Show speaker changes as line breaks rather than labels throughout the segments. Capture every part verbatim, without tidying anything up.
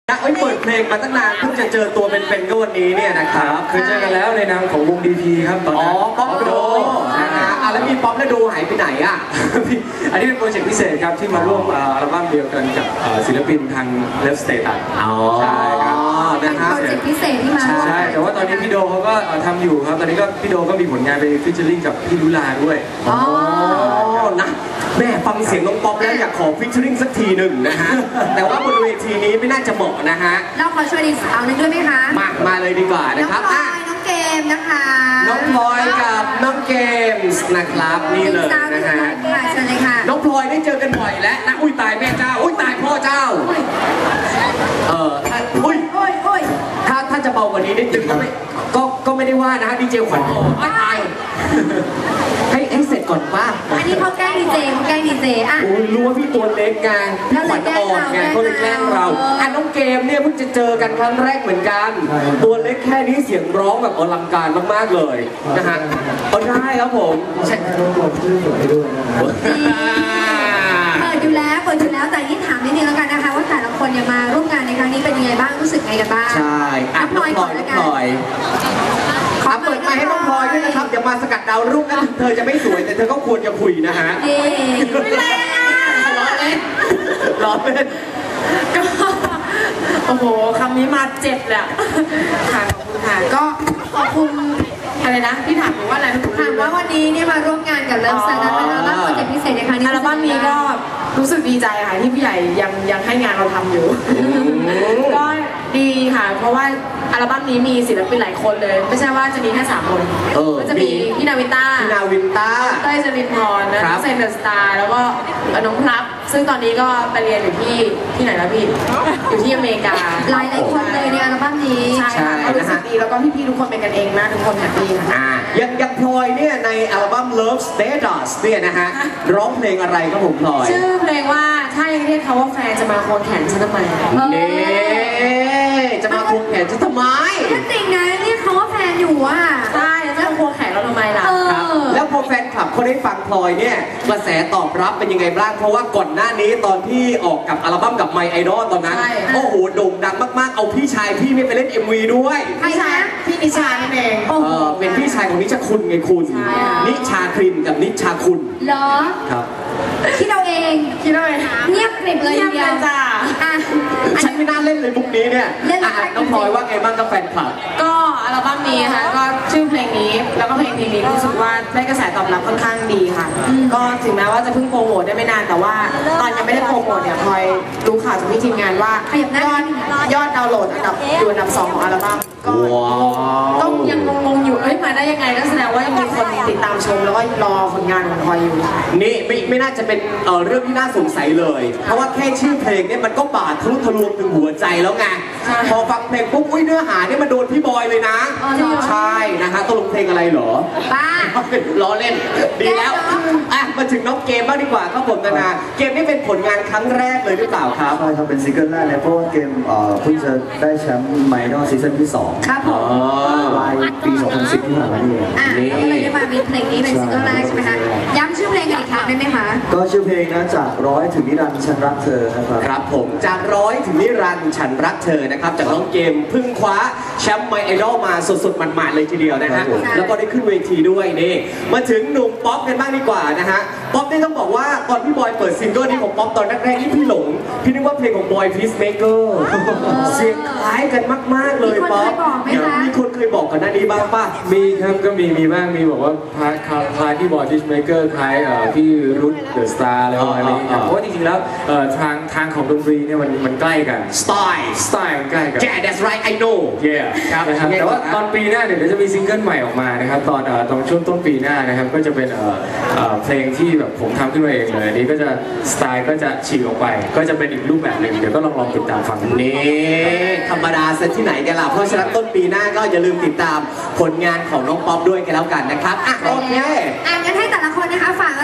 นะเอ้ยเปิดเพลงมาตั้งนานเพิ่งจะเจอตัวเป็นๆก็วันนี้เนี่ยนะครับ
เคยเจอกันแล้วในนามของวง ดี พี ครับตอนนั้น
อ๋อป๊อปโดนะฮะอ่ะแล้วมีป๊อปและโดหายไปไหนอ่ะ
อันนี้เป็นโปรเจกต์พิเศษครับที่มาร่วมอัลบั้มเดียวกันกับศิลปินทาง Left Status
อ๋อ
ใช่ครับ
เป็นโปรเจกต์พิเศษที่มา
ใช่แต่ว่าตอนนี้พี่โดเขาก็ทำอยู่ครับตอนนี้ก็พี่โดก็มีผลงานไปฟิชเชอร์ลิงกับพี่ลุลาด้วย
อ๋อนะแม่ฟังเสียงน้องป๊อปแล้วอยากขอฟิชเชอร์ลิงสักทีหนึ่งนะฮะแต่ว่าบนเวทีนี้ไม่น่าจะเหมาะนะฮะ
เราขอช่วยดีสาวนึงด้วยไหมคะ
มามาเลยดีกว่านะครับ
น้องพลอยน้องเกมนะคะ
น้องพลอยกับน้องเกมส์นะครับนี่เลยนะฮะ
เชิญเลยค่ะ
น้องพลอยได้เจอกันบ่อยแล้วนะอุ้ยตายแม่เจ้าอุ้ยตายพ่อเจ้าเอออุ้ย
โอ้ยโอ้ย
ถ้าถ้าจะเบากว่านี้นิดนึงก็ไม่ก็ก็ไม่ได้ว่านะดีเจขวัญไม่ตายให้ให้เสร็จก่อนป้า
อันนี้เขาแกล้งดีเจเขาแกล้งดีเจอ่ะ
โอ้ยรู้ว่าพี่ตัวเล็กไงพี่ขวัญอ่อนไงเขาเลยแกล้งเราอ่ะน้องเกมเนี่ยเพิ่งจะเจอกันครั้งแรกเหมือนกันตัวเล็กแค่นี้เสียงร้องแบบอลังการมากๆเลยนะฮะเอาได้ครับผม
ใช่ต้องกดชื่อสวยด้วยนะครับ
เปิดอยู่แล้วเปิดอยู่แล้วแต่นี่ถามนิดนึงแล้วกันนะคะว่าแต่ละคนเนี่ยมาร่วมงานในครั้งนี้เป็นยังไงบ้างรู้สึกไงกันบ้าง
ใช่อ่ะน้องพลอยน้องพลอยขอเปิดไมค์ให้น้องพลอยด้วยนะครับอย่ามาสกัดดาวรุ่งนะเธอจะไม่สวยแต่เธอก็ควรจะคุยนะฮะ
ไม่เล่น
ล้อเล่นล้อเล่น
ก็โอ้โหคำนี้มาเจ็บเลยค่ะขอบคุณค่ะก็ขอบคุณอะไรนะที่ถามว่าอะไร
ถามว่าวันนี้เนี่ยมาร่วมงานกับเลิฟสตาร์อัลบั้มโปรเจกต์พิเศษในครั้งนี้
อัลบั้มนี้ก็รู้สึกดีใจค่ะที่พี่ใหญ่ยังยังให้งานเราทำอยู่ก็ดีค่ะเพราะว่าอัลบั้มนี้มีศิลปินหลายคนเลยไม่ใช่ว่าจะมีแค่สามคนก็จะมีพี่นาวินต้า
พี่นาวินต้า
เต้ยจรินพรนะเซนเดอร์สตาร์แล้วก็น้องพลับซึ่งตอนนี้ก็ไปเรียนอยู่ที่ที่ไหนแล้วพี่อยู่ที่อเมริกา
หลายหลายคนเลยในอัลบั้มนี้
ใช่ค่ะก็รู้สึกดีแล้วก็พี่ๆทุกคนเป็นกันเองมากทุกคนแฮปปี้ค่ะ
ยังยังพลอยเนี่ยในอัลบั้ม Love Status เนี่ยนะฮะร้องเพลงอะไรครับผมพลอย
ชื่อเพลงว่าถ้ายังเรียกเขาว่าแฟนจะมาควงแขนฉันทำไม
เนี่ยจะมาควงแขนฉันทำไม
จริงนะเรียกเขาว่าแฟนอยู่อ่ะ
ใช่แล้วควงแขนเราทำไมล่ะ
แล้วพอแฟนคลับเขาได้ฟังพลอยเนี่ยกระแสตอบรับเป็นยังไงบ้างเพราะว่าก่อนหน้านี้ตอนที่ออกกับอัลบั้มกับ My Idol ตอนนั้นโอ้โหโด่งดังมากๆเอาพี่ชายพี่ไม่ไปเล่น เอ็ม วี ด้วย
พี่ชาย
พี่นิชานั่นเอง
เออเป็นพี่ชายของนิชาคุณไงคุณนิชาครินกับนิชาคุณ
เหรอ
ครับ
คิดเราเอง
คิดเราเอง
เงียบกริบเลย
เดียวจ้า
ฉันไม่น่าเล่นเลยมุกนี้เนี่ยน้องพลอยว่าไงบ้างกับแฟนคลับ
ก็อัลบั้มนี้ค่ะก็ชื่อเพลงนี้แล้วก็เพลงเพลงนี้รู้สึกว่าได้กระแสตอบรับค่อนข้างดีค่ะก็ถึงแม้ว่าจะเพิ่งโปรโมทได้ไม่นานแต่ว่าตอนยังไม่ได้โปรโมทเนี่ยพลอยรู้ข่าวจากพี่ทีมงานว่ายอดยอดดาวน์โหลดอันดับอยู่อันดับสองของอัลบั้มก็ต้องยังงงๆอยู่เอ้ยมาได้ยังไงก็แสดงว่ายังมีคนติดตามชมแล้วก็รอผลงานของพลอยอยู่
นี่ไม่ไม่น่าจะเป็นเเรื่องที่น่าสงสัยเลยเพราะว่าแค่ชื่อเพลงเนี่ยมันก็บาดทะลุทะลวงถึงหัวใจแล้วไงพอฟังเพลงปุ๊บอุ้ยเนื้อหาเนี่ยมันโดนพี่บอยเลยนะใช่นะฮะตกลงเพลงอะไรเหรอ
บ้า
ล้อเล่นดีแล้วอ่ะมาถึงน้องเกมบ้างดีกว่าครับผมนานาเกมนี่เป็นผลงานครั้งแรกเลยหรือเปล่าครับ
ใช่ครับเป็นซิงเกิลแรกเลยเพราะว่าเกมเพิ่งจะได้แชมป์ไมดอลซีซั่นที่สอง
ครับผม
ปลายปีสองพันสิบที่ผ่านมานี่
อ่ะก็เลยได้มามีเพลงนี้เป็นซิงเกิลแรกใช่ไหมคะย้ำชื่อเพลงกันอีกครั้งได้ไหมคะ
ก็ชื่อเพลงนะจากร้อยถึงนิรันดร์ฉันรักเธอนะครับ
ครับผมจากร้อยถึงนิรันดร์ฉันรักเธอนะครับจากน้องเกมเพิ่งคว้าแชมป์ไมไอดอลมาสดๆหมาดๆเลยทีเดียวนะฮะแล้วก็ได้ขึ้นเวทีด้วยนี่มาถึงหนุ่มป๊อปกันบ้างดีกว่านะฮะป๊อปนี่ต้องบอกว่าตอนพี่บอยเปิดซิงเกิลนี้ของป๊อปตอนแรกๆนี่พี่หลงพี่นึกว่าเพลงของบอยพีซเมเกอร์เสียงคล้ายกันมากๆเลยป๊อปมีคนเคยบอกกันหน้านี้บ้างป่ะ
มีครับก็มีมีบ้างมีบอกว่าคล้ายคล้ายพี่บอยพีซเมเกอร์คล้ายพี่รุทเดอะสตาร์อะไรประมาณนี้เพราะว่าจริงๆแล้วทางทางของดนตรีเนี่ยมันมันใกล้กัน
สไตล์
สไตล์ใกล้กัน
Yeah that's right I know
yeah ครับนะครับแต่ว่าตอนปีหน้าเดี๋ยวจะมีซิงเกิลใหม่ออกมานะครับตอนตอนช่วงต้นปีหน้านะครับก็จะเป็นเพลงที่แบบผมทำขึ้นมาเองเลยอันนี้ก็จะสไตล์ก็จะฉีกออกไปก็จะเป็นอีกรูปแบบหนึ่งเดี๋ยวก็ลองลองติดตามฟัง
นี่ธรรมดาซะที่ไหนกันล่ะเพราะฉะนั้นต้นปีหน้าก็อย่าลืมติดตามผลงานของน้องป๊อปด้วยกันแล้วกันนะครับอ่ะโอเค
อ่ะงั้นให้แต่ละคนนะคะฝากอะไรนะคะ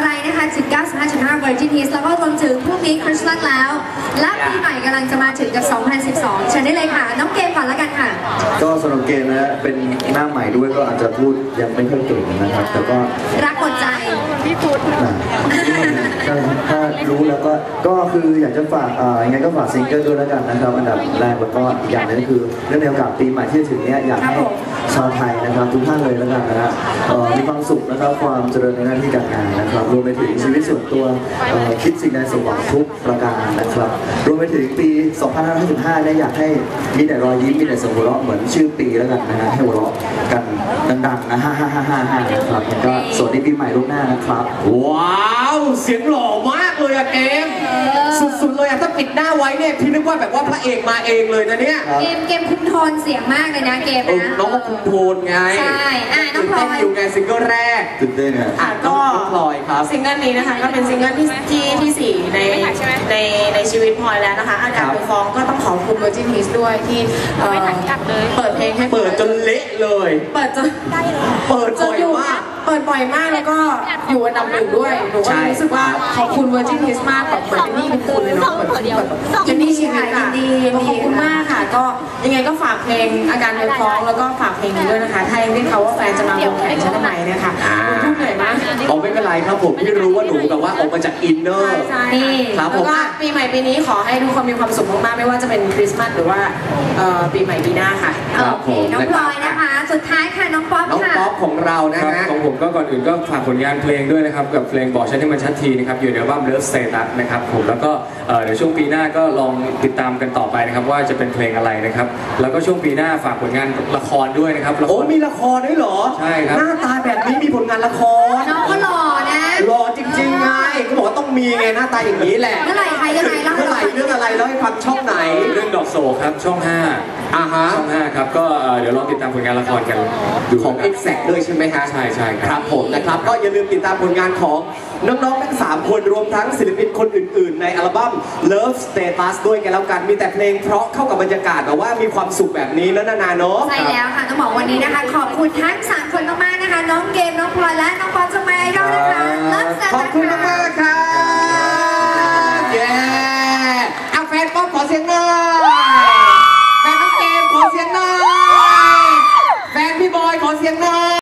ชถึง เก้าสิบห้าจุดห้า Virgin Hits แล้วก็รวมถึงพรุ่งนี้คริสต์มาสแล้ว และปีใหม่กำลังจะมาถึงกับ สองพันสิบสอง เชิญได้เลยค่ะ น้องเกมก่อนแล้วกันค่ะ
ก็สำหรับเกมนะเป็นหน้าใหม่ด้วยก็อาจจะพูดยังไม่ค่อยเก่งนะครับแต่ก็
รักหมดใจ
นะถ้าถ้ารู้แล้วก็ก็คืออยากจะฝากอ่ายังไงก็ฝากซิงเกิลด้วยแล้วกันนะครับอันดับแรกแล้วก็อีกอย่างหนึงก็คือเรื่องในโอกาสปีใหม่ที่จะถึงเนี้ยอยากให้ชาวไทยนะครับทุกท่านเลยแล้วกันนะฮะเอ่อมีความสุขนะครับความเจริญในหน้าที่การงานนะครับรวมไปถึงชีวิตส่วนตัวเอ่อคิดสิ่งใดสมหวังทุกประการนะครับรวมไปถึงปี สองพันห้าร้อยห้าสิบห้า เนี่ยอยากให้มีแต่รอยยิ้มมีแต่เสียงหัวเราะเหมือนชื่อปีแล้วกันนะฮะให้หัวเราะกันดังๆนะฮ่าฮ่าฮ่าฮ่าฮ่านะครับแล้วก็สวัสดีปีใหม่ล่วงหน้านะครับ
ว้าวเสียงหล่อมากเลยอะเกมสุดๆเลยอะถ้าปิดหน้าไว้เนี่ยพี่นึกว่าแบบว่าพระเอกมาเองเลยนะเนี่ย
เกมเกมคุมโทนเสียงมากเลยนะเกม
เออ
นะ
น้องก็คุมโทนไง
ใช่อ่ะน้องพลอย
ตื่นเต้นอยู่ไงซิงเกิลแรก
ตื่นเต้นอ่ะ
อ่ะก็
น้องพลอยครับ
ซิงเกิลนี้นะคะก็เป็นซิงเกิลที่ที่ที่สี่ในในในชีวิตพลอยแล้วนะคะอาการ
ครับ
ไปฟ้องก็ต้องขอบคุณ Virgin Hits ด้วยที่เอ่อเปิดเพลงให้
เปิดจนเละเลย
เปิดจน
เปิด
จ
บ่
น
อย
อยู่
มาก
เปิดบ่อยมากแล้วก็อยู่อันดับหนึ่งด้วยหนูก็
ใช่
รู้สึกว่าขอบคุณ Virgin Hits มากแบบเหมือนเป็นหนี่เป็นคุณเลยเนาะเหมือนแบบเป็นหนี่ชีวิตอะขอบคุณมากค่ะก็ยังไงก็ฝากเพลงอาการไปฟ้องแล้วก็ฝากเพลงนี้ด้วยนะคะถ้ายังได้เขาว่าแฟนจะมาวงแข่งฉันทำไมเนี่ยค่ะหนูพูดเหนื่อยมาก
เอาไม่เป็นไรครับผมพี่รู้ว่าหนูแบบว่าออกมาจากอินเนอร์
ใช่
นี่
ครับผ
แล้ว
ม
ก็ปีใหม่ปีนี้ขอให้ทุกคนมีความสุขมากๆไม่ว่าจะเป็นคริสต์มาสหรือว่าเอ่อปีใหม่ปีหน้าค่ะ
ครับ
โอเค
ผม
น้องพลอยนะคะ สุดท้ายค่ะน้องป๊อป
น้อง
ค่ะ
ป๊อปของเรานะครับ ฮะ
ของผมก็ก่อนอื่นก็ฝากผลงานเพลงด้วยนะครับกับเพลงบอกฉันให้มันชัดทีนะครับอยู่ในอัลบั้ม Love Status นะครับผมแล้วก็เอ่อเดี๋ยวช่วงปีหน้าก็ลองติดตามกันต่อไปนะครับว่าจะเป็นเพลงอะไรนะครับแล้วก็ช่วงปีหน้าฝากผลงานละครด้วยนะครับละค
โอ้
ร
มีละครด้วยเหรอ
ใช่ครับ
หน้าตาแบบนี้มีผลงานละคร
น้องก็หล่อนะ
หล่อจริงๆไงก็บอกว่าต้องมีไงหน้าตาอย่างนี้แหละ
เมื่อไหร่ใครยังไงเล่าให้
เมื่อไห
เรา
ร่
ฟัง
เรื่องอะไรแล้วให้ฟังช่องไหน
เรื่องดอกโศกครับช่องห้า
อ่าฮะ
ช่องห้าครับก็เอ่อเดี๋ยวลองติดตามผลงานละครกันดู
ของ
นะครับ
Exact ด้วยใช่ไหมฮะ
ใช่ใช่ครับ
ครับผมนะครับก็อย่าลืมติดตามผลงานของน้องๆทั้งสามคนรวมทั้งศิลปินคนอื่นๆ ในอัลบั้ม Love Status ด้วยกันแล้วกันมีแต่เพลงเพราะเข้ากับบรรยากาศแต่ว่ามีความสุขแบบนี้แล้วนานาเนาะ
ใช่แล้วค่ะต้องบอกวันนี้นะคะ ขอบคุณทั้งสามคนมากๆนะคะ น้องเกมน้องพลอยและน้องป๊อปจงมาไอดอลนะคะเลิฟสเต
ขอบคุณมากๆครับเย้อาแฟนป๊อปขอเสียงหน่